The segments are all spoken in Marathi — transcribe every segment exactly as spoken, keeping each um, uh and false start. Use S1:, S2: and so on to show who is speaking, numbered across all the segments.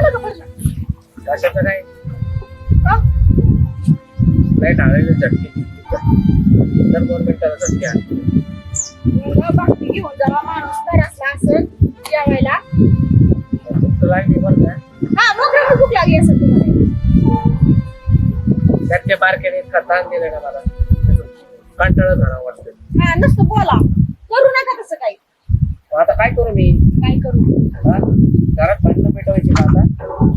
S1: बघा बरं.
S2: कशाचं काय
S1: का?
S2: लाईट आलेले झटके तर गव्हर्नमेंटला झटके आणले
S1: एवढं बाकी घेऊन जावा माणूस घरातला असेल जेवायला.
S2: तुमचं लागली बरं का
S1: हा नोकरीला भूक लागली असेल तुम्हाला.
S2: त्याच्या बारकेने इतका ताण दिला ना मला कंटाळा झाला वाटतं.
S1: हा नुसतं बोला, करू नका तसं काही.
S2: मग आता काय करू मी
S1: काय करू
S2: हा? घरात भांडणं पेटवायची का आता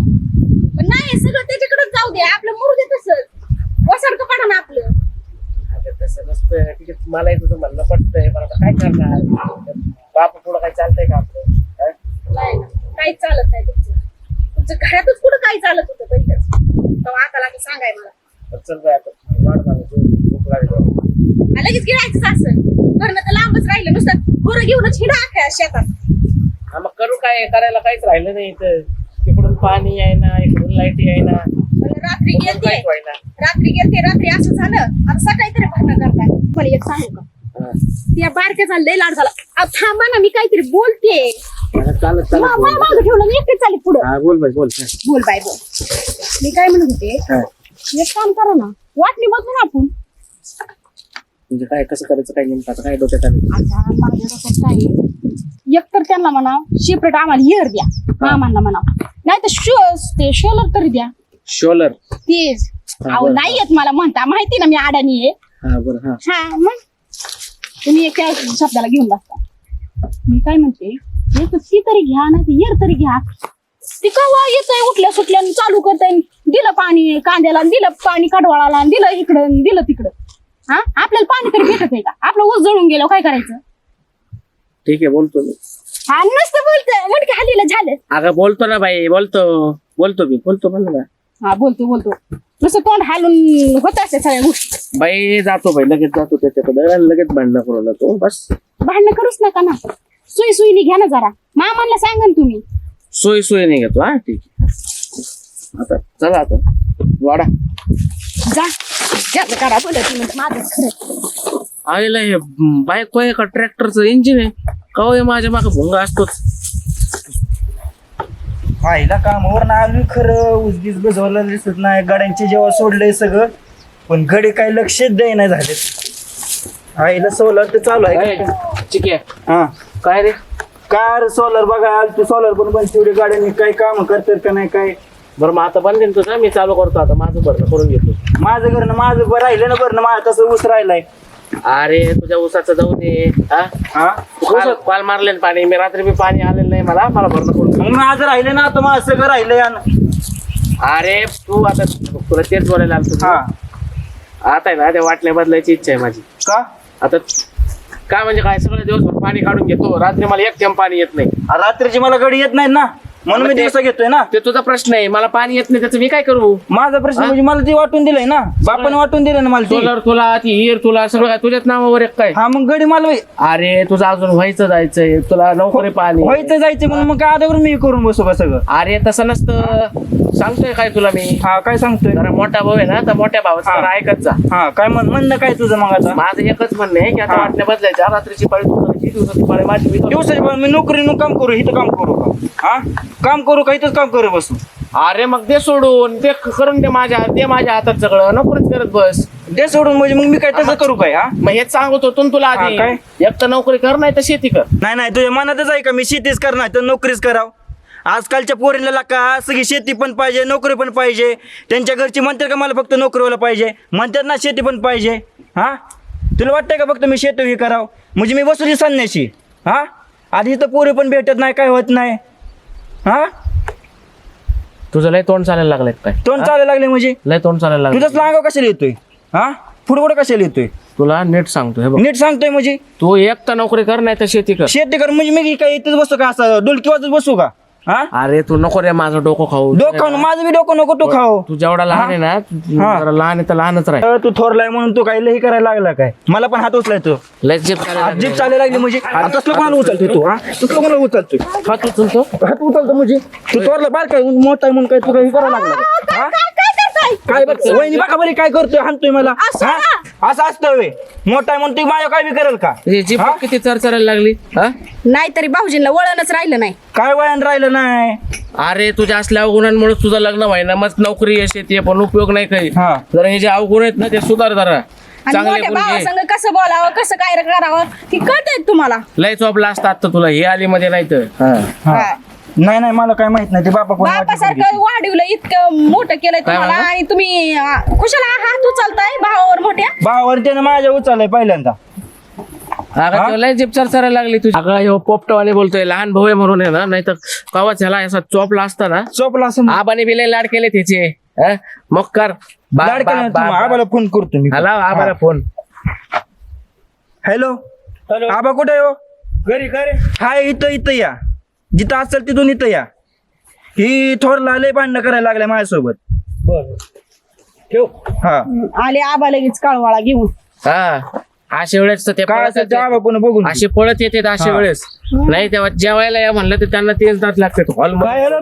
S1: पण नाही, सगळं त्याच्याकडे जाऊ दे. आपलं मुरू दे तसंच. वसाडकं पडा ना आपलं.
S2: आता तसं नसतं ठीक आहे. मलाही तुझं म्हणणं पडतंय पण आता काय करणार बाप पुढं काय चालतंय का आपलं हा?
S1: नाही ना, काहीच चालत नाही तुमचं. तुमचं घरातच कुठं काही चालत होतं पहिलंच. तेव्हा आता लागेल सांगाय मला.
S2: तर चल बाय आता वाढ मला भूक लागली
S1: हा, लगेच गिळायचंच असं. घरनं तर लांबच राहिलं, नुसतं गोरं घेऊनच हिडा अख्ख्या शेतात.
S2: हा मग करू काय करायला काहीच राहिलं नाही इथं. तिकडून पाणी आहे ना इकडून लाईट आहे ना
S1: पण रात्री
S2: कुठून
S1: गेलते
S2: काहीच व्हायना.
S1: रात्री गेलते रात्री असं झालं. आता सकाळी तरी भांडण करताय. मला एक सांगू का,
S2: हा.
S1: त्या बारक्याचा लय लाड झाला. अहो, थांबा ना, मी काहीतरी बोलते.
S2: हा, चालत चालत
S1: मा-
S2: बोल.
S1: मा- मागं ठेवलं मी एकटे चालले पुढं.
S2: हा बोल बाई बोल हा.
S1: बोल बाय बोल. मी काय म्हणत होते,
S2: हा.
S1: एक काम करा ना, वाटणी बदलू ना आपण.
S2: म्हणजे काय कसं करायचं काय नेमकं आता काय डोक्यात आलं
S1: आता माझ्या डोक्यात काय आहे, एक तर त्यांना म्हणा सेपरेट आम्हाला हिअर द्या, मामांना म्हणा, नाही तर शोज ते शोलर तरी द्या.
S2: शोलर
S1: तेच
S2: हा,
S1: अहो
S2: बरं.
S1: नाही येत मला म्हणता, माहिती ना मी अडाणी आहे.
S2: हा बरं हा
S1: हा मग तुम्ही एका शब्दाला घेऊन बसता. मी काय म्हणते, एक ती तरी घ्या ना, ती येर तरी घ्या. ती कवा येतंय उठल्या सुटल्या चालू करताय, दिलं पाणी कांद्याला, दिलं पाणी कडवाळाला, दिलं इकडं दिलं तिकडं. हा आपल्याला पाणी तरी भेटत आहे का? आपलं ऊस जळून गेलं काय करायचं?
S2: ठीक आहे बोलतो मी.
S1: हा नसतं बोलतोय मटके हल्लीला झालं.
S2: अगं बोलतो ना बाई बोलतो बोलतो मी बोलतो म्हणलं ना
S1: हा बोलतो बोलतो नुसतं तोंड हालून होत असते सगळ्या गोष्टी.
S2: बाई जातो बाई लगेच जातो त्याच्याकडे लगेच भांडणं करून तो बस.
S1: भांडणं करूच नका ना, सुई सुईनी घ्या ना जरा. मामांना सांगा ना तुम्ही.
S2: सोय सोय नाही घेतो हा ठीक आहे. आता चला आता वाडा
S1: जा ज्याचं करा बोलत म्हणजे माझंच खरं.
S2: आईला हे बाईक आहे का ट्रॅक्टरचं इंजिन आहे का हो, हे माझ्या मागे भुंगा असतोच.
S3: आईला कामावर ना आलोय खरं, उजगीच बजवलं दिसत नाही. गाड्यांचे जेव्हा सोडलंय सगळं, पण गडे काही लक्षच देईना झाले. आईला सोलर तर चालू आहे का?
S2: ठीक आहे
S3: हा
S2: काय रे
S3: कार सोलर बघा आल तू सोलर पण बंद तेवढे गाड्यांनी काही काम करतात का नाही काय.
S2: बरं मग आता बंद तुझं मी चालू करतो आता माझं भरणं करून घेतो.
S3: माझं घरनं माझं बरं राहिलं ना बरं, माझं तसं ऊस राहिलाय.
S2: अरे तुझ्या ऊसाचं जाऊ दे हा
S3: हा
S2: काल काल मारले ना पाणी मी रात्री मी पाणी आलेलं नाही मला मला भरणं करून
S3: मग माझं राहिलं ना, आता माझं सगळं राहिलंय.
S2: अरे तू आता तुला तेच बोलायला आलो
S3: हा
S2: आता आहे ना त्या वाटण्या बदलायची इच्छा आहे माझी.
S3: का
S2: आता काय म्हणजे काय सगळं दिवसभर पाणी काढून घेतो, रात्री मला एक थेंब पाणी येत नाही.
S3: रात्रीची मला गडी येत नाही ना, म्हणून मी
S2: ते-
S3: दिवसा घेतोय ना.
S2: ते तुझा प्रश्न आहे, मला पाणी येत नाही त्याचं मी काय करू.
S3: माझा प्रश्न म्हणजे मला ती वाटून दिलंय ना, बापाने वाटून दिलं ना मला ती.
S2: सोलर तुला ती हिर तुला सगळं काय तुझ्याच नावावर एक काय.
S3: हा मग गडी मला
S2: अरे तुझं अजून व्हायचं जायचंय तुला नोकरी पाणी
S3: व्हायचं जायचं म्हणून मग काय आधावर मी करून बसू का सगळं.
S2: अरे तसं नसतं सांगतोय काय तुला मी.
S3: हा काय सांगतोय.
S2: जरा मोठा भाऊ आहे ना तर मोठ्या भावाचं
S3: हा.
S2: जरा ऐकत जा.
S3: हा काय म्हण म्हणणं काय तुझं मग आता.
S2: माझं एकच म्हणणं आहे की आता
S3: हा.
S2: वाटण्या बदलायच्या, रात्रीची पाळी तू करायची, दिवसाची पाळी माझी मी करतो.
S3: दिवसाची पण मी नोकरीनं काम करू, इथं काम करू का? हा काम करू का इथंच काम करू बसू.
S2: अरे मग ते सोडून ते करून दे माझ्या ते माझ्या हातात सगळं नोकरीच करत बस.
S3: ते सोडून म्हणजे मग मी काय तसं करू काय. हा
S2: मग हेच सांगत होतो ना तुला आधी,
S3: हा, काय?
S2: एक तर नोकरी कर नाही तर शेती कर.
S3: नाही नाही तुझ्या मनातच आहे का मी शेतीच करणार तर नोकरीच कराव. आजकालच्या पोरीला का सगळी शेती पण पाहिजे नोकरी पण पाहिजे. त्यांच्या घरची म्हणतात का मला फक्त नोकरीवाला पाहिजे, म्हणतात ना शेती पण पाहिजे. हा तुला वाटतंय का फक्त मी शेती हे करावं म्हणजे मी बसू सांगण्याची. हा आधी तर पोरी पण भेटत नाही काय होत नाही. हा
S2: तुझं लय तोंड चालायला लागलंय काय.
S3: तोंड चालायला लागले म्हणजे
S2: लय तोंड चालायला
S3: तुझंच
S2: लागलं.
S3: लांगाव कशाला येतोय. हा फुटबॉल कशाला येतोय.
S2: तुला नीट सांगतो हे बघ,
S3: नीट सांगतोय म्हणजे
S2: तू एक तर नोकरी कर नाही तर शेती कर.
S3: शेती कर म्हणजे मी काय इथंच बसू का असं डुलकी वाजत बसू का. हा
S2: अरे तू नको रे माझं डोकं खाऊ.
S3: डोकं माझं बी डोकं नको तू खाऊ.
S2: तू जेवढा लहान आहे ना तू
S3: हा.
S2: जरा लहान आहे तर लहानच राह.
S3: अ, तू थोरलाय म्हणून तू काही लई करायला लागला काय. मला पण हात उचलाय तू
S2: लय जीप करायला लागली.
S3: जीप चालायला लागली म्हणजे तसलं कोणाला उचलतोय तू. हा तसलं कोणाला उचलतोय.
S2: हा तू चुलतो
S3: हात उचलतो म्हणजे तू थोरला बार काय मोठा आहे म्हणून काय तू काही करायला लागला का? हा?
S1: काय काय करताय?
S3: काय बघ वहिनी बघा बरी काय करतोय हाणतोय मला.
S1: असं
S3: हा?
S1: ना?
S3: असं असतं व्हय. मोठा आहे म्हणून ती माझ्या काय बी करेल का
S2: जी
S3: हा?
S2: किती चरचरायला लागली हा
S1: नाहीतरी भाऊजींना वळणच राहिलं नाही.
S3: काय वयान राहिलं नाही.
S2: अरे तुझ्या असल्या अवगुणांमुळे तुझं लग्न व्हायना मग नोकरी यश येते पण उपयोग नाही काही
S3: हा.
S2: जरा हे जे अवगुण आहेत ना ते सुधार जरा
S1: आणि
S2: चांगले
S1: मोठ्या
S2: गुण घे.
S1: भावासंग कसं बोलावं कसं काय करावं ती कळतंय तुम्हाला.
S2: लय चोपला असता आता तुला हे आली मध्ये नाही तर
S3: हा.
S1: हा.
S3: नाही नाही मला काय माहित नाही ते बापा कोण वाटलं
S1: बापासारखं वाढवलं इतकं मोठं केलंय
S2: काय
S1: तुम्हाला
S2: म्हणला?
S1: आणि तुम्ही अं, कुशाला हात उचलताय भावावर मोठ्या.
S3: भावावर त्यानं माझ्या उचललंय पहिल्यांदा.
S2: अगं
S3: हा?
S2: तो लय जीप चरचरायला लागली तुझी. अगं ह्यो पोपटवाने बोलतोय लहान भाऊ आहे म्हणून आहे ना नाही तर कवाच ह्याला असा चोपला असता ना
S3: चोपला असं
S2: आबाने बी लय लाड केले त्याचे हा? मग कर बा-
S3: लाड
S2: बा-
S3: केलं
S2: बा- बा-
S3: आबाला फोन करतो मी.
S2: हॅलो आबाला फोन
S3: हॅलो आबा कुठे हो? घरी घरी हाय इथं इथं या जिथं असेल तिथून इथं या. ही थोरला लय भांडणं करायला लागल्या माझ्यासोबत.
S2: ठेव
S3: हा
S1: आले आबा लगेच काळवाळा घेऊन.
S2: हा अशा वेळेस तर ते
S3: काय
S2: पळत
S3: असेल ते
S2: येते.
S3: आबा कोण बघून
S2: असे पळत येते अशा
S3: हा.
S2: वेळेस नाही तेव्हा जेवायला या म्हणलं तर त्यांना तेच दात लागते हॉल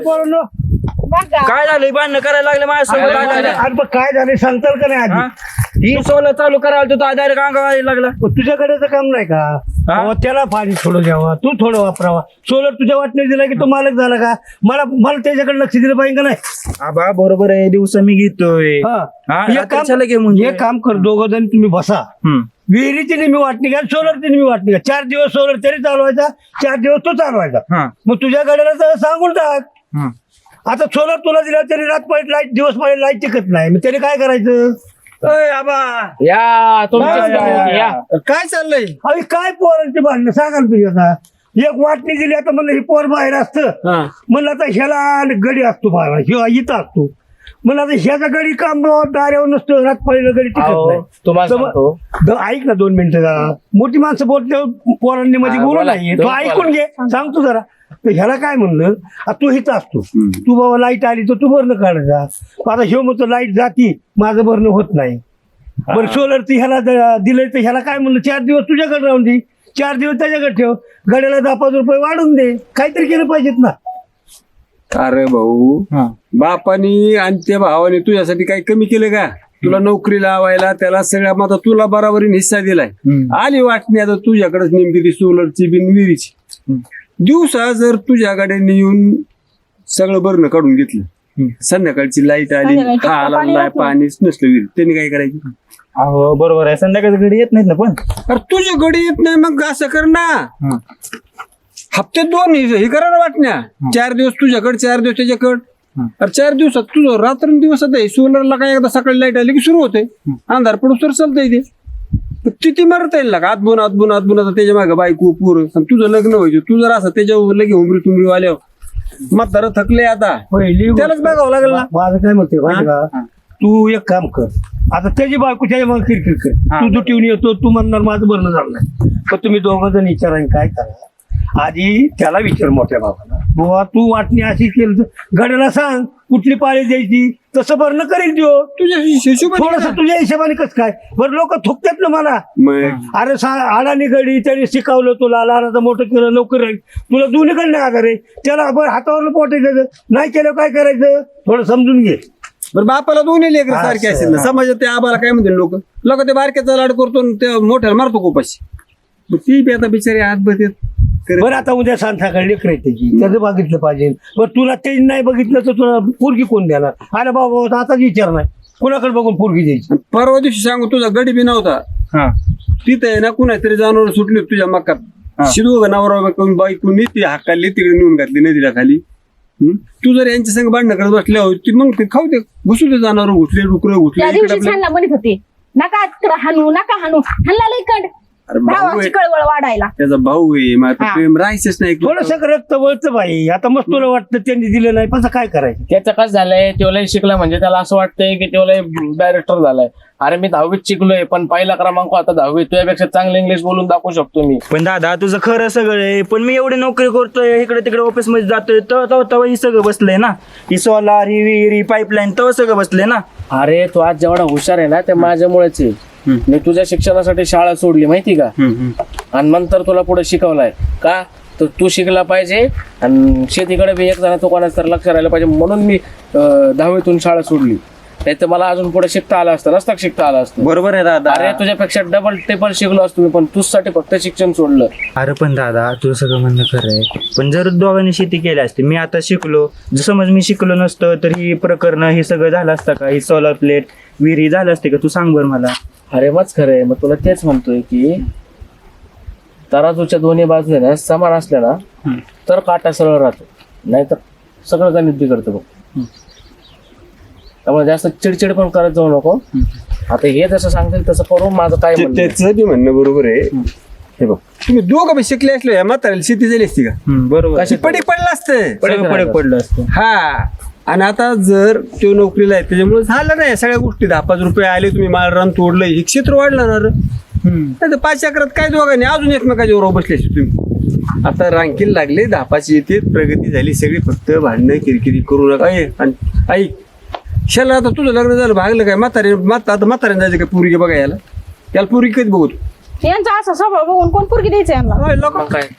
S1: बघा.
S3: काय झालं भांडणं करायला लागले माझ्यासोबत.
S2: काय
S3: काय
S2: झालं?
S3: झालं?
S4: अरे पण काय झालं सांगताल का नाही
S3: हा?
S4: आधी
S3: ही सोला चालू करायला तो डायरेक्ट अंगावर लागला.
S4: पण तुझ्याकडे तर काम नाही का
S3: हा?
S4: अहो, त्याला पाणी थोडं द्यावा तू थोडं वापरावा सोलर तुझ्या वाटणे दिला की तो मालक झाला का मला मला त्याच्याकडे लक्ष दिलं पाहिजे का नाही
S3: आबा बरोबर आहे दिवस मी घेतोय.
S4: हा.
S3: हा,
S4: एक
S3: रात्री चला घे
S4: काम
S3: म्हणजे.
S4: एक काम कर दोघं जण तुम्ही बसा
S3: हम्म.
S4: विहिरीची नेहमी वाटणी घ्या सोलरची नेहमी वाटणी घ्या चार दिवस सोलर तरी चालवायचा चार दिवस तो चालवायचा
S3: हा.
S4: मग तुझ्या गाड्याला तर सांगून टाक
S3: हम्म.
S4: आता सोलर तुला दिला तरी रात पाहिजे लाईट दिवस पाहिजे लाईट टिकत नाही मग त्याने काय करायचं अय आबा
S2: या तुमचीच
S3: या, या,
S2: गंमत,
S3: या.
S2: या
S4: काय चाललंय अरे काय पोरांची भांडणं सांगा ना तुम्ही आता एक वाटणी दिली आता म्हणलं ही पोर बाहेर असतं
S2: हा.
S4: म्हणलं आता ह्याला गडी असतो बाहेर ह्यो इथं असतो म्हणलं आता ह्याचा गडी काम दाऱ्यावर नसतो रात पहिलं गडी टिकत
S2: अहो,
S4: नाही
S2: तुम्हाला
S4: तर मग-
S2: सांगतो
S4: द- ऐक ना दोन मिनिटं जरा मोठी माणसं बोलते पोरांनी मध्ये
S2: हा,
S4: बोलू
S2: बोला.
S4: नाही तो
S2: दोन
S4: ऐकून घे सांगतो जरा तर ह्याला काय म्हणलं आता तू इथं असतो तू बाबा लाईट आली तर तू भरणं काढायचा आता ह्यो म्हणतो लाईट जाती माझं भरणं होत नाही बरं सोलर ती ह्याला द- दिलंय तर ह्याला काय म्हणलं चार दिवस तुझ्याकडे राहून दे चार दिवस त्याच्याकडे ठेव गड्याला दहा पाच रुपये वाढून दे काहीतरी केलं पाहिजेत ना
S5: अरे भाऊ
S3: हा.
S5: बापानी आणि त्या भावाने तुझ्यासाठी काही कमी केलं का तुला नोकरी लावायला त्याला सगळ्या मग आता तुला बराबरीने हिस्सा दिलाय
S3: हम्म.
S5: आली वाटणी आता तुझ्याकडेच नेमकी ती सोलरची बिन विहिरीची दिवसा जर तुझ्या गाड्यांनी येऊन सगळं बरणं काढून घेतलं संध्याकाळची लाईट आली
S1: संध्याकाळी
S5: हा आला
S1: पाणी
S5: नाही
S1: राहतं.
S5: पाणीच नसलं विहीर त्यांनी काय करायचं
S3: अहो बरोबर आहे संध्याकाळी घडी येत नाहीत ना पण.
S5: अरे तुझ्या गडी येत नाही मग असं कर ना
S3: हा.
S5: हप्ते दोन हे हे करा ना वाटण्या चार दिवस तुझ्याकडे चार दिवस त्याच्याकडे
S3: हं.
S5: अरे चार दिवसात तुझं रात्र दिवस आता सोलरला काय एकदा सकाळी लाईट आली की सुरू होते अंधार पडू तर चालतंय ते पण किती मरता येईल ना का आतबून आतबून आतबून आता त्याच्या मागे बायको पूर तुझं लग्न व्हायचं तू जर असं त्याच्यावर लगे उमरी तुमरी आल्यावर म्हातारं थकले आता
S4: पहिली
S5: त्यालाच बघावं लागेल ना
S4: माझं काय म्हणते माहिती का तू एक काम कर आता त्याची बायको त्याच्या मग किरकिर कर
S3: हा.
S4: तू दुटीवून येतो तू म्हणणार माझं भरणं झालं नाही पण तुम्ही दोघं जण विचारा काय करा आधी त्याला विचार मोठ्या बाबाला बुवा तू वाटणी अशी केली तर गड्याला सांग कुठली पाळी द्यायची तसं भरणं करेल देऊ
S5: तुझ्या हिशोबाने
S4: थोडस तुझ्या हिशोबाने कसं काय बरं लोक थुकतात ना मला
S5: मग
S4: अरे सा अडाणी गडी त्याने शिकवलं तुला लहानाचं मोठं केलं लवकर राहील तुला दोन्हीकडे नाही आधार आहे त्याला बरं हातावर पोटायचं नाही केलं काय करायचं थोडं समजून घे
S5: बरं बापाला दोन्ही लेकर
S4: असं.
S5: सारखे असेल ना समाजात त्या आबाला काय म्हणतील लोक लोक ते बारक्याचा लाड करतो आणि त्या मोठ्याला मारतो कोपाशी मग ती बी आता बिचारी हात बघत
S4: बरं आता उद्या संध्याकाळी लेकर आहे त्याची त्याचं बघितलं पाहिजे पण तुला ते नाही बघितलं तर तुला पोरगी कोण देणार अरे बाबा आताच विचार नाही कुणाकडे बघून पोरगी द्यायची
S5: परवा दिवशी सांगू तुझा गडी बी नव्हता
S3: हा.
S5: तिथे आहे ना कुणा तरी जनावर सुटली होती तुझ्या मक्कात
S3: हा.
S5: शिदू नवरा करून बाईकून ती हाकाली तिकडे नेऊन घातली नदीला खाली हम्म? तू जर यांच्या संग भांडणं करत बसल्या होती मग ते खाऊ दे घुसू दे जनावर घुसले डुकर घुसले
S1: त्या
S5: इकडे
S1: दिवशी
S5: आपल्या-
S1: छानला म्हणत होते नका तिकडं हाणू नका हाणू हाणला लई कंड
S5: अरे भाऊ
S1: भावाची
S5: आहे
S1: कळवळ वाढायला.
S5: त्याचा भाऊ आहे मग आता
S1: हा.
S5: प्रेम राहायचंच नाही
S4: थोडस रक्त वळतं बाई आता मस्त तुला वाटतं त्यांनी दिलं नाही पण काय करायचं
S2: त्याचं कसं झालंय तेवढं शिकला म्हणजे त्याला असं वाटतंय की तेवढं डायरेक्टर झालाय अरे मी दहावीत शिकलोय पण पहिला क्रमांक आता दहावीत तुझ्यापेक्षा चांगलं इंग्लिश बोलून दाखवू शकतो मी
S3: पण दादा तुझं खरं सगळं आहे पण मी एवढी नोकरी करतोय इकडे तिकडे ऑफिस मध्ये जातोय तर तेव्हा तेव्हा ही सगळं बसलंय ना ही सोलार ही विहीर ही पाईपलाईन तेव्हा सगळं बसलंय ना.
S2: अरे तू आज जेवढा हुशार आहे ना ते माझ्यामुळेच आहे मी तुझ्या शिक्षणासाठी शाळा सोडली माहिती का आणि नंतर तुला पुढे शिकवलाय का तर तू शिकला पाहिजे आणि शेतीकडे बी एक जण तो कोणाचं तर लक्ष राहिलं पाहिजे म्हणून मी अं, दहावीतून शाळा सोडली नाही तर मला अजून पुढे शिकता आलं असतं नसतं का शिकता आलं असतं.
S3: बरोबर आहे दादा.
S2: अरे तुझ्यापेक्षा डबल ट्रिपल शिकलो असतो मी, पण तुझसाठी फक्त शिक्षण सोडलं.
S3: अरे पण दादा तुझं सगळं म्हणणं खरं आहे, पण जर दोघांनी शेती केली असती, मी आता शिकलो, जर समज मी शिकलो नसतं तर ही प्रकरण हे सगळं झालं असतं का? ही सोलर प्लेट विहिरी झालं असते का? तू सांग बरं मला.
S2: अरे मग खरं आहे. मग तुला तेच म्हणतोय की तराजूच्या दोन्ही बाजू आहे ना समान असल्या ना तर काटा सरळ राहतो, नाहीतर सगळं गणित बिघडतं बघ. त्यामुळे जास्त चिडचिड पण करत जाऊ नको. आता हे जसं सांगतील तसं करू. माझं काय
S5: ते-
S2: म्हणणं आहे.
S5: त्याचं बी म्हणणं बरोबर आहे. हे बघ तुम्ही दोघं बी शिकले असले या म्हाताऱ्याला शेती झाली असती का?
S3: बरोबर.
S2: कशी-
S5: पडी पडलं असतं.
S3: पडक पडक पडलं असतं.
S5: हा आणि आता जर तो नोकरीला आहे त्याच्यामुळे झालं नाही सगळ्या गोष्टी. दहा पाच रुपये आले, तुम्ही माल रान तोडलं, हे क्षेत्र वाढलं ना रे. नाही तर पाच अकरात काय दोघांनी अजून एकमेकाच्या वर बसले असते तुम्ही. आता रांकीला लागले, दहा पाच येते, प्रगती झाली सगळी. फक्त भांडणं किरकिरी करू नका. ए, आणि ऐक शाला आता तुझं लग्न झालं भागलं काय? म्हातारे म्हाता आता म्हाताऱ्याने जायचं काय पुरगी बघा याला? याला पुरगी कधी बघतो?
S1: यांचा असा स्वभाव बघून कोण पोरगी द्यायचं यांना?
S5: होय, लोक
S2: मग काय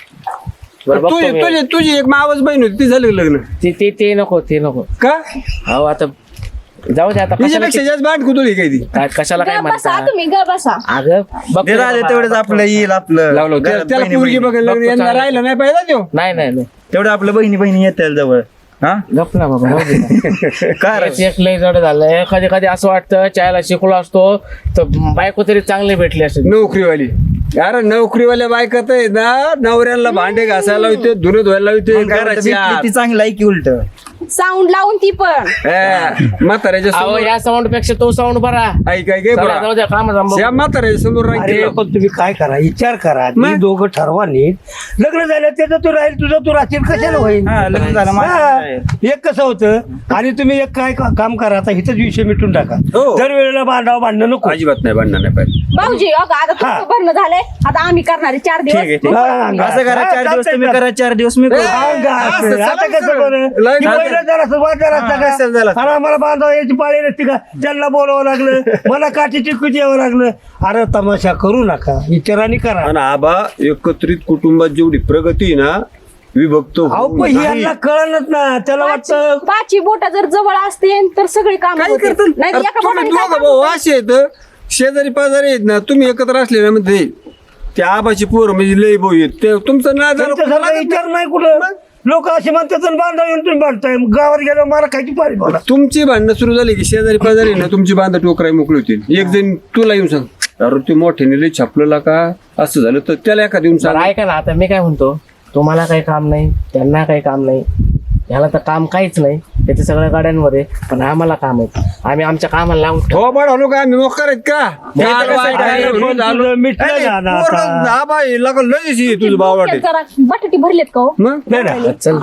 S2: बरं बघतो
S5: तुझी
S2: मी.
S5: तुझी तुझी एक मावस बहीण होती, ती झालं का लग्न?
S2: ते ते ते नको ते नको.
S5: का
S2: हो आता जाऊ दे आता. कशाला
S5: तिच्यापेक्षा जास्त बाट कुतुळी काय ती
S2: काय- कशाला काय
S1: ग बसा
S2: म्हणता.
S1: तुम्ही, ग बसा.
S2: अगं बघ
S3: ते राहिले तेवढंच आपलं येईल आपलं
S5: लावलं त्या-
S3: घरात
S5: त्याला
S3: बहिणी-
S5: पुरगी
S3: बहिणी.
S5: बघायला लग्न
S2: बघतो
S5: यांना
S2: चांगलं.
S5: राहिलं नाही पाहिजे तो.
S2: नाही नाही नाही
S3: तेवढं आपलं बहिणी बहिणी येतील जवळ. हा
S2: गप ना बाबा राहू दे ना.
S3: काय रे?
S2: तेच एक लय जड झालंय. कधी कधी असं वाटतं चायला शिकलो असतो तर बायको तरी चांगली भेटली असते.
S5: नोकरीवाली अरे नोकरीवाल्या बायकात आहे ना, नवऱ्याला भांडे घासायला होते, धुणे धुवायला होते,
S3: मग काय म्हणतं,
S5: घराची
S3: भेटली ती
S5: आत.
S3: चांगलं आहे की उलट?
S1: साऊंड लावून ती पण.
S5: ए, म्हाताऱ्याच्या
S2: अहो
S5: समोर
S2: या साऊंड पेक्षा तो साऊंड बरा.
S5: ऐक ऐक ऐक
S2: चला,
S5: बरं.
S2: जाऊ द्या काम
S5: त्या
S2: जमव.
S5: म्हाताऱ्याच्या समोर
S4: अरे
S5: रांगेत
S4: पण तुम्ही काय करा, विचार करा.
S5: मग?
S4: ती दोघं ठरवा नीट. लग्न झालं त्याचं तू राहील, तुझं तू राहशील, कशाला होईल?
S3: हा, लग्न झालं माझं
S4: हा.
S3: आहे.
S4: एक कसं होतं. आणि तुम्ही एक काय का- काम करा, आता इथंच विषय मिटून टाका.
S5: हो.
S4: दर वेळेला भांडावं भांडणं नको.
S5: अजिबात नाही भांडणार नाही पाहिजे.
S1: भाऊजी अगं आता तुमचं भरणं झालंय, आता आम्ही करणार आहे चार
S3: ठीक आहे,
S1: दिवस.
S3: ठीक
S4: हा,
S3: आहे.
S4: अंगा.
S3: असं करा,
S4: हा,
S3: चार दिवस
S4: चालतंय,
S3: तुम्ही
S4: चालतंय.
S3: करा, चार दिवस मी करू.
S4: अंगा असं.
S5: असं
S4: आता
S5: चालतं
S4: कसं बरं?
S5: लय
S4: की
S5: चालतं.
S4: पहिलं जरासं वाद झाला असता
S5: हा, असं झालं
S4: का?
S5: असतं.
S4: आणि आम्हाला बांधावं याची पाळी नसती का? त्यांना बोलावं लागलं, मला काठी चिकूच यावं लागलं. अरे तमाशा करू नका, विचाराने करा.
S5: आणि आबा एकत्रित कुटुंबात जेवढी प्रगती आहे ना, विभक्त
S4: अहो
S5: होऊन
S4: पण
S5: नाही.
S4: यांना कळलंच ना, त्याला वाटतं
S1: पाची बोट जर जवळ असते तर सगळी काम
S5: काय करतात
S1: नाही
S5: अरे
S1: एका
S5: तुम्ही
S1: बोटाने काय
S5: दोघं
S1: काम
S5: भाऊ
S1: होतं?
S5: असे आहेत, शेजारी पाजारी आहेत ना, तुम्ही एकत्र असले ना म्हणजे त्या आबाची पोरं म्हणजे लय भाऊ आहेत, ते तुमचं ना जरा
S4: त्यांच्यासारखा विचार नाही कुठं. लोक असे म्हणतात आणि बांधा येऊन तुम्ही बांधताय, गावात गेल्यावर मला खायची पारी बोला.
S5: तुमची भांडणं सुरू झाली की शेजारी पाजारी ना तुमची बांधा टोकराई मोकळी होतील. एक जण तुला येऊन सांग, अरे ते मोठ्याने लय छापलं का असं झालं, तर त्याला एखाद येऊन सांग.
S2: बरं ऐका ना, आता मी काय म्हणतो, तुम्हाला काही काम नाही, त्यांना काही काम नाही, ह्याला तर काम काहीच नाही, त्याच्या सगळ्या गाड्यांवर आहे, पण आम्हाला काम आहे. आम्ही आमच्या कामाला लावून ठेवू.
S5: हो बाळा लोक आम्ही मोकार आहेत का?
S2: मोकार
S5: ते आता कसं
S2: आहे,
S5: आहे,
S4: पण
S5: म्हणून झालं.
S4: तुझं मिटलं
S5: अरे,
S4: ना आता.
S5: पोरं, आबा हे लगा लयच हे तुझं भाव वाटे.
S1: जरा बटाटी भरलेत का हो?
S5: मग
S4: नाही ना.
S2: चल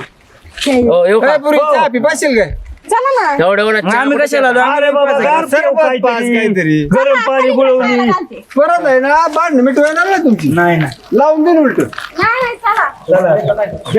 S2: हो येऊ
S5: काय
S2: का?
S5: पुरी चहा पी पाशील काय?
S1: चला ना.
S2: एवढं एवढं
S3: मग
S2: चहा
S3: आम्ही
S2: कुठे
S3: कशाला
S2: प्यायचा?
S3: आलो?
S4: अरे बाबा गार
S5: सर्व
S4: पिऊ
S5: पाच
S4: काहीतरी.
S5: काहीतरी.
S4: गरम पाणी गुळवणी.
S1: चालते.
S5: परत आहे ना भांडण मिटवायला ना तुमची
S3: नाही ना.
S5: लावून देईन उलट.
S1: नाही नाही चला.